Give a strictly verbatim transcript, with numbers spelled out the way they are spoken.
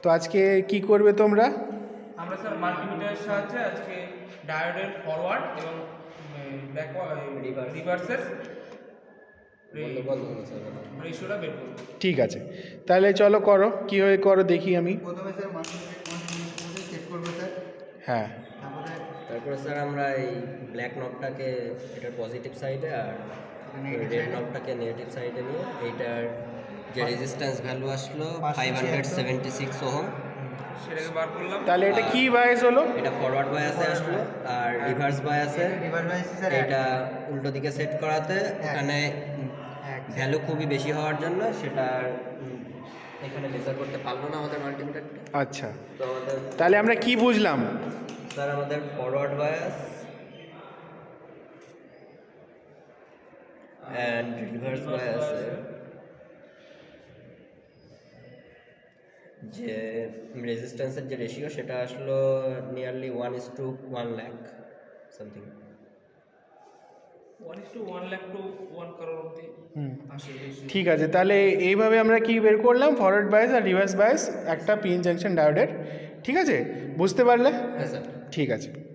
তো আজকে কি করবে তোমরা? আমরা স্যার মাল্টিমিটারের সাহায্যে আজকে ডায়োডের ফরওয়ার্ড এবং রিভার্সের রেশিওটা বের করব। ঠিক আছে, তাহলে চলো করো, কীভাবে করো দেখি আমি। প্রথমে স্যার মাল্টিমিটার চেক করবো স্যার। হ্যাঁ, তারপরে তারপরে স্যার আমরা এই ব্ল্যাক নবটাকে এটার পজিটিভ সাইডে আর রেড নবটাকে নেগেটিভ সাইডে নিয়ে এইটার যে রেজিস্ট্যান্স ভ্যালু আসলো five hundred seventy six ohm সেটাকে বার করলাম। তাহলে এটা কি বায়াস হলো? এটা ফরওয়ার্ড বায়াসে আসলো আর রিভার্স বায়াসে রিভার বাইসি স্যার এটা উল্টো দিকে সেট করাতে ওখানে ভ্যালু খুবই বেশি হওয়ার জন্য সেটা উম, এখানে মেজার করতে পারলো না আমাদের মাল্টিমিটারটা। আচ্ছা, তো আমাদের তাহলে আমরা কি বুঝলাম? স্যার আমাদের ফরওয়ার্ড বায়াস অ্যান্ড রিভার্স বায়াসে যে রেজিস্ট্যান্সের যে রেশিও সেটা আসলো nearly one is to one lakh something. One is to one lakh to one crore অব্দি আসে ratio। ঠিক আছে, তাহলে এইভাবে আমরা কি বের করলাম, ফরওয়ার্ড বায়াস আর রিভার্স বায়াস একটা পিএন জাংশন ডায়োডের। ঠিক আছে, বুঝতে পারলে? হ্যাঁ স্যার। ঠিক আছে।